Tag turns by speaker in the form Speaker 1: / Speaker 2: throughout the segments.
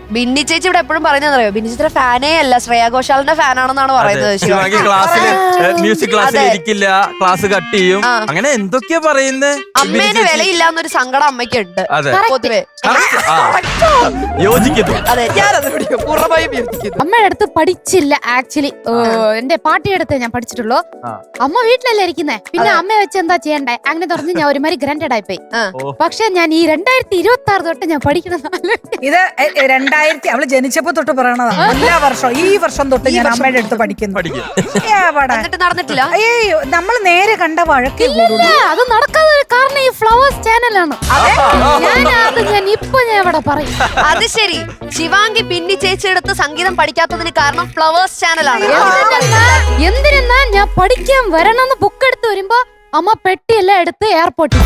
Speaker 1: ബിന്നി ചേച്ചി ഇവിടെ എപ്പോഴും പറയുന്നറിയോ, ബിന്നി ചേച്ചിയുടെ ഫാനേ അല്ല, ശ്രേയാ ഘോഷാലിന്റെ ഫാനാണെന്നാണ് പറയുന്നത്.
Speaker 2: ശിവാംഗി ക്ലാസ്സിൽ മ്യൂസിക് ക്ലാസ്സിൽ ഇരിക്കില്ല, ക്ലാസ് കട്ട് ചെയ്യും, അങ്ങനെ എന്തൊക്കെയാ പറയുന്നത്.
Speaker 1: അമ്മേനെ വിലയില്ലാന്നൊരു സങ്കടം അമ്മയ്ക്കുണ്ട് പൊതുവെ.
Speaker 2: യോജിക്കുന്നു.
Speaker 1: അതെ, ഞാനത് പൂർണ്ണമായും യോജിക്കുന്നു.
Speaker 3: അമ്മയുടെ അടുത്ത് പഠിച്ചില്ല ആക്ച്വലി. എന്റെ പാട്ടിയുടെ അടുത്ത് ഞാൻ പഠിച്ചിട്ടുള്ളൂ. അമ്മ വീട്ടിലല്ലേ ഇരിക്കുന്നേ, പിന്നെ അമ്മ വെച്ച് എന്താ ചെയ്യണ്ടേ അങ്ങനെ പറഞ്ഞ് ഞാൻ ഒരുമാതിരി ഗ്രന്റഡ് ആയിപ്പോയി. പക്ഷെ ഞാൻ ഈ 2026 തൊട്ട് ഞാൻ പഠിക്കണം.
Speaker 4: ഇത് 2000 അവള് ജനിച്ചപ്പോ തൊട്ട് പറയണതാ. എല്ലാ വർഷവും ഈ വർഷം തൊട്ട് ഞാൻ അമ്മയുടെ അടുത്ത് പഠിക്കുന്നു.
Speaker 1: നടന്നിട്ടില്ല.
Speaker 4: നമ്മൾ നേരെ കണ്ട വഴക്കേ
Speaker 3: അത് നടക്കാതെ ഒരു കാരണം ഈ ഫ്ലവേഴ്സ് ചാനലാണ്. ഞാൻ ഇവിടെ പറയും.
Speaker 1: അത് ശരി, ശിവാംഗി ബിന്നി ചേച്ചിയുടെ അടുത്ത് സംഗീതം പഠിക്കാത്തതിന് കാരണം ഫ്ലവേഴ്സ് ചാനലാണ്.
Speaker 3: എന്തിനാ ഞാൻ പഠിക്കാൻ വരണമെന്ന് ബുക്ക് എടുത്ത് വരുമ്പോ അമ്മ പെട്ടിയെല്ലാം എടുത്ത് എയർപോർട്ടിൽ.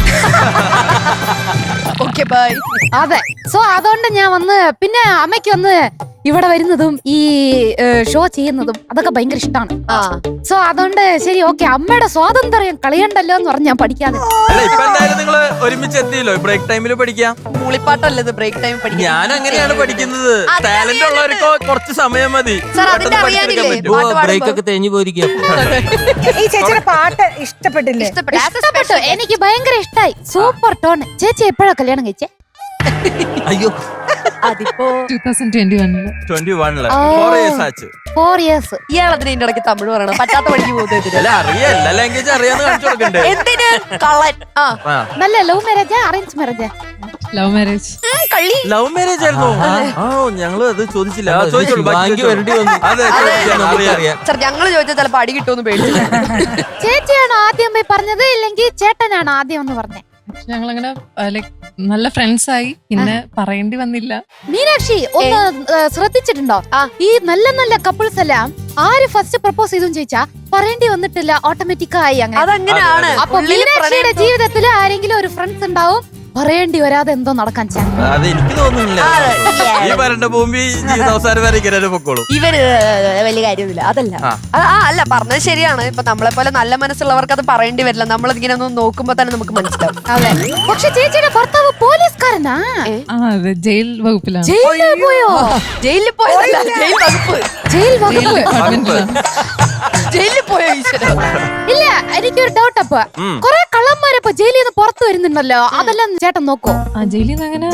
Speaker 3: അതെ, സോ അതുകൊണ്ട് ഞാൻ വന്ന് പിന്നെ അമ്മയ്ക്ക് വന്ന് ഇവിടെ വരുന്നതും ഈ ഷോ ചെയ്യുന്നതും അതൊക്കെ ഭയങ്കര ഇഷ്ടമാണ്. സോ അതുകൊണ്ട് ശരി ഓക്കെ, അമ്മയുടെ സ്വാതന്ത്ര്യം കളയണ്ടല്ലോ എന്ന് പറഞ്ഞ് ഞാൻ പഠിക്കാതെ.
Speaker 2: നിങ്ങള് ഒരുമിച്ച് എത്തിയല്ലോ, ബ്രേക്ക് ടൈമിൽ പഠിക്കാം.
Speaker 1: മൂളിപ്പാട്ടല്ലേ ബ്രേക്ക് ടൈം പഠിക്കാം.
Speaker 2: ഞാൻ അങ്ങനെയാണ് പഠിക്കുന്നത്. ടാലന്റ് ഉള്ളവർക്ക് കുറച്ച് സമയം മതി.
Speaker 5: ബ്രേക്ക് ഒക്കെ തേഞ്ഞു പോയിരിക്കും.
Speaker 4: ഈ ചേച്ചിയുടെ പാട്ട് ഇഷ്ടപ്പെട്ടില്ലേ?
Speaker 3: ഇഷ്ടപ്പെട്ടു, എനിക്ക് ഭയങ്കര ഇഷ്ടായി. Super tone. ചേച്ചി എപ്പോഴാ കല്യാണം കഴിച്ചേ?
Speaker 5: അയ്യോ,
Speaker 1: അതിപ്പോ
Speaker 5: 2021
Speaker 3: 4 years.
Speaker 1: ഇയാളതിന് ഇതിന്റെ ഇടയ്ക്ക് തമിഴ് പറയണം, പറ്റാത്ത പഠിക്ക് പോകുന്നത്. എന്തിന് കള്ളൻ?
Speaker 3: നല്ല ലവ് മാരേജാ അറേഞ്ച് മാരേജാ?
Speaker 6: Love marriage.
Speaker 2: ലവ് മാരേജ് ആയിരുന്നു. ഞങ്ങള് അത് ചോദിച്ചില്ല.
Speaker 1: ഞങ്ങള് ചോദിച്ചാൽ ചിലപ്പോ അടി കിട്ടുമെന്ന് പേടിച്ചു.
Speaker 3: ചേച്ചിയാണോ ആദ്യം പോയി പറഞ്ഞത് ഇല്ലെങ്കിൽ ചേട്ടനാണോ ആദ്യം എന്ന് പറഞ്ഞേ?
Speaker 6: ഞങ്ങളങ്ങനെ ലൈക് നല്ല ഫ്രണ്ട്സ് ആയി, പിന്നെ പറയേണ്ടി വന്നില്ല.
Speaker 3: മീനാക്ഷി ഒന്ന് ശ്രദ്ധിച്ചിട്ടുണ്ടോ, ഈ നല്ല നല്ല കപ്പിൾസ് എല്ലാം ആര് ഫസ്റ്റ് പ്രപ്പോസ് ചെയ്തു ചോദിച്ചാ പറയേണ്ടി വന്നിട്ടില്ല, ഓട്ടോമാറ്റിക്കായി അങ്ങനെ.
Speaker 1: അതങ്ങനെയാണ്.
Speaker 3: അപ്പൊ മീനാക്ഷിയുടെ ജീവിതത്തിൽ ആരെങ്കിലും ഒരു ഫ്രണ്ട്സ് ഉണ്ടാവും, പറയേണ്ടി വരാതെ എന്തോ നടക്കാൻ ചാൻസ്.
Speaker 2: അതെനിക്ക് തോന്നുന്നില്ല. ഈ വരണ്ട ഭൂമി ജീവിതാവസാനം വരെ ഇങ്ങനെ പൊക്കോളും.
Speaker 1: ഇവര് വലിയ കാര്യമൊന്നുമില്ല. അതല്ല അല്ല, പറഞ്ഞത് ശരിയാണ്. ഇപ്പൊ നമ്മളെ പോലെ നല്ല മനസ്സുള്ളവർക്ക് അത് പറയേണ്ടി വരില്ല. നമ്മളിങ്ങനെ ഒന്ന് നോക്കുമ്പോ തന്നെ നമുക്ക് മനസ്സിലാവും.
Speaker 3: അതെ. പക്ഷെ ചേച്ചിയുടെ ഭർത്താവ് പോലീസുകാരനാ?
Speaker 6: അതെ, ജയിൽ വകുപ്പിലാണ്.
Speaker 3: ജയിലിൽ പോയോ?
Speaker 1: ജയിലിൽ പോയതല്ല, ജയിൽ വകുപ്പ്.
Speaker 3: ജയിൽ വകുപ്പ്.
Speaker 1: ജയിലിൽ പോയോ?
Speaker 3: ഇല്ല, എനിക്കൊരു ഡൗട്ട്. അപ്പൊ കൊറേ കള്ളന്മാരപ്പൊ ജയിലിൽ നിന്ന് പുറത്തു വരുന്നുണ്ടല്ലോ, അതെല്ലാം ചേട്ടൻ നോക്കോ?
Speaker 6: ജയിലിൽ നിന്ന് അങ്ങനെ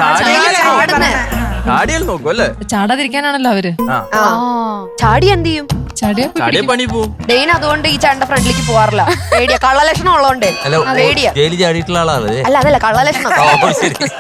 Speaker 2: നോക്കും അല്ലേ?
Speaker 6: ചാടാതിരിക്കാനാണല്ലോ അവര്.
Speaker 1: ചാടി എന്ത് ചെയ്യും?
Speaker 6: ചാടിയ
Speaker 2: പണി പോവും.
Speaker 1: ഡെയിൻ അതുകൊണ്ട് ഈ ചേട്ടന്റെ ഫ്രണ്ടിലേക്ക് പോവാറില്ല. പേടിയാ, കള്ളലക്ഷണം ഉള്ളതുകൊണ്ട് പേടിയാ.
Speaker 5: ജയിലിൽ ചാടിയിട്ടുള്ള ആളാണ്.
Speaker 1: അല്ല, അതല്ല, കള്ളലക്ഷണം.